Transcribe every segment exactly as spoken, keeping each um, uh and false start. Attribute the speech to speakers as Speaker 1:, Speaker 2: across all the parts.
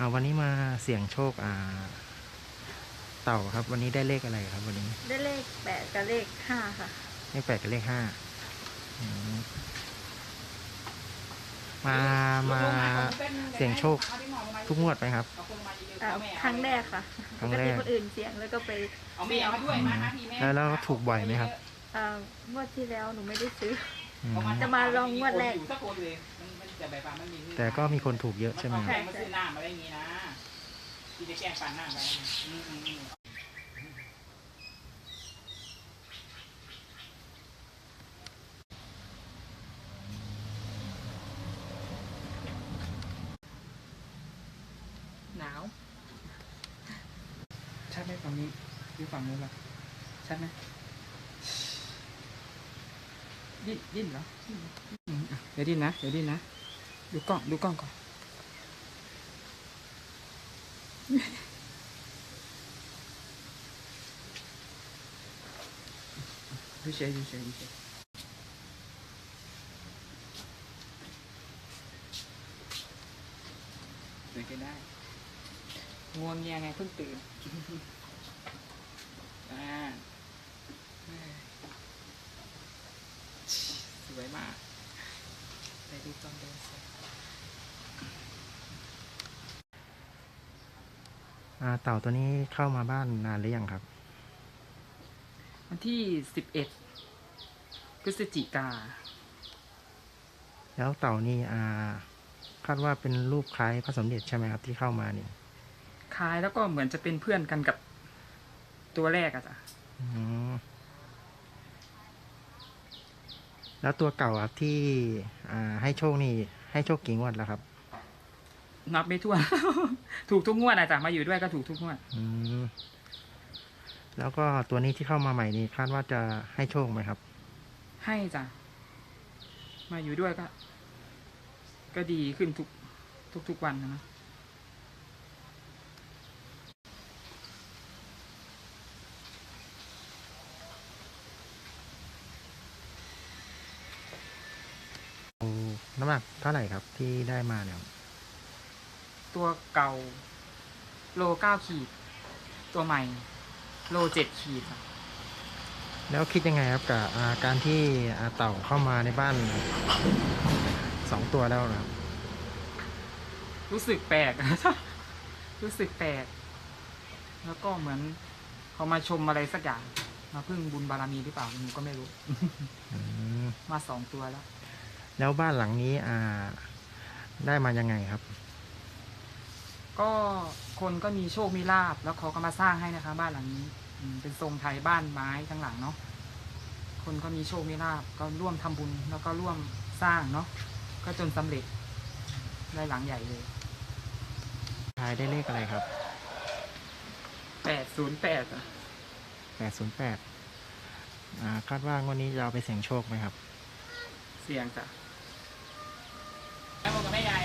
Speaker 1: าวันนี้มาเสี่ยงโชคอ่าเต่าครับวันนี้ได้เลขอะไรครับวันนี้
Speaker 2: ได้เลขแปดกับเลขห้าค่ะ
Speaker 1: เลขแปดกับเลขห้ามามาเสี่ยงโชคทุกงวดไหมครับ
Speaker 2: ครั้งแรกค่ะ
Speaker 1: ครั้งแรก
Speaker 2: คนอื่นเสี่ยงแล้วก็ไป
Speaker 3: เอาแม่มาด้วยมาทีแม่
Speaker 1: แล้วแล้วถูกบ่อยไหมครับ
Speaker 2: งวดที่แล้วหนูไม่ได้ซื้อจะมาลองงวดแรก
Speaker 1: แต่ก็มีคนถูกเยอะใช่ไหม
Speaker 3: ครับมาซื้อหน้ามาได้งี้นะที่จะแก้ปันหน้าไปหนาวใช่ไหมฝั่งนี้หรือฝั่งนู้นล่ะใช่ไหมดิ้นดิ้นเหรอเดี๋ยวดิ้นนะเดี๋ยวดิ้นนะดูกล้องดูกล้องก่อนดูเฉยดูเฉยดูเฉยสวยก็ได้งวงเงียไงเพิ่งตื่นอ่าสวยมากไปดูตอนเดินเสร็จ
Speaker 1: เต่าตัวนี้เข้ามาบ้านนานหรือยังครับ
Speaker 3: วันที่สิบเอ็ดพฤศจิกา
Speaker 1: แล้วเต่านี่อ่าคาดว่าเป็นรูปคล้ายพระสมเด็จใช่ไหมครับที่เข้ามานี่
Speaker 3: คล้ายแล้วก็เหมือนจะเป็นเพื่อนกันกับตัวแรกอะจ้ะ
Speaker 1: แล้วตัวเก่าครับที่อ่าให้โชคนี่ให้โชคกี่งวดแล้วครับ
Speaker 3: นับไม่ถ้วน ถูกทุกงวดอะจ้ะมาอยู่ด้วยก็ถูกทุกงวด
Speaker 1: อืมแล้วก็ตัวนี้ที่เข้ามาใหม่นี้คาดว่าจะให้โชคไหมครับ
Speaker 3: ให้จ้ะมาอยู่ด้วยก็ ก็ดีขึ้นทุกทุกทุกวันนะ
Speaker 1: น้ำหนักเท่าไหร่ครับที่ได้มาเนี่ย
Speaker 3: ตัวเก่าโลเก้าขีดตัวใหม่โลเจ็ดขีด
Speaker 1: แล้วคิดยังไงครับกับการที่เต่าเข้ามาในบ้านสองตัวแล้วนะ
Speaker 3: รู้สึกแปลก รู้สึกแปลกแล้วก็เหมือนเขามาชมอะไรสักอย่างมาพึ่งบุญบารมีหรือเปล่าหนูก็ไม่รู้มาสองตัวแล้ว
Speaker 1: แล้วบ้านหลังนี้อ่าได้มายังไงครับ
Speaker 3: ก็คนก็มีโชคมีลาภแล้วเขาก็มาสร้างให้นะคะบ้านหลังนี้เป็นทรงไทยบ้านไม้ทั้งหลังเนาะคนก็มีโชคมีลาภก็ร่วมทำบุญแล้วก็ร่วมสร้างเนาะก็จนสำเร็จได้หลังใหญ่เลย
Speaker 1: ทายได้เลขอะไรครับ
Speaker 3: แปดศูนย์แปดอ่ะ
Speaker 1: แปดศูนย์แปดอ่าคาดว่างวดนี้จะเอาไปเสี่ยงโชคไหมครับ
Speaker 3: เสี่ยงจ้ะแม่บอกกับแม่ยาย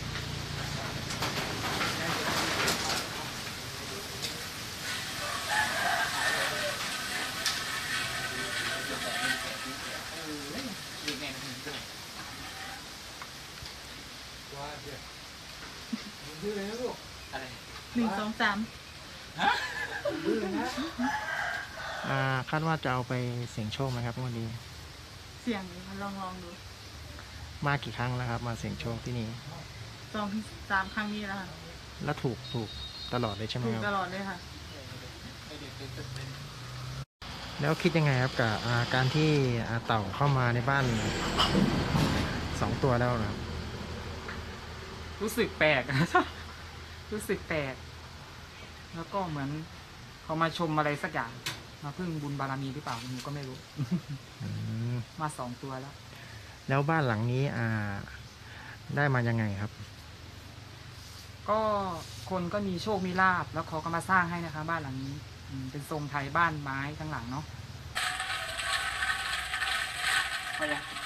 Speaker 2: หนึ่งสองสาม
Speaker 1: อ่าคาดว่าจะเอาไปเสี่ยงโชคไหมครับงวดนี้
Speaker 2: เสี่ยงลองลองดู
Speaker 1: มากี่ครั้งแล้วครับมาเสี่ยงโชคที่นี่
Speaker 2: สองสามครั้งนี้แล้วค่ะ
Speaker 1: แล้วถูกถูกตลอดเลยใช่ไหมครับ
Speaker 2: ถูกตลอดเลยค่ะ
Speaker 1: แล้วคิดยังไงครับกับการที่เต่าเข้ามาในบ้านสองตัวแล้วนะ
Speaker 3: รู้สึกแปลก รู้สึกแปลกแล้วก็เหมือนเขามาชมอะไรสักอย่างมาพึ่งบุญบารมีหรือเปล่าหนูก็ไม่รู้มาสองตัวแล้ว
Speaker 1: แล้วบ้านหลังนี้อ่าได้มายังไงครับ
Speaker 3: ก็คนก็มีโชคมีลาภแล้วเขาก็มาสร้างให้นะคะบ้านหลังนี้เป็นทรงไทยบ้านไม้ทั้งหลังเนาะ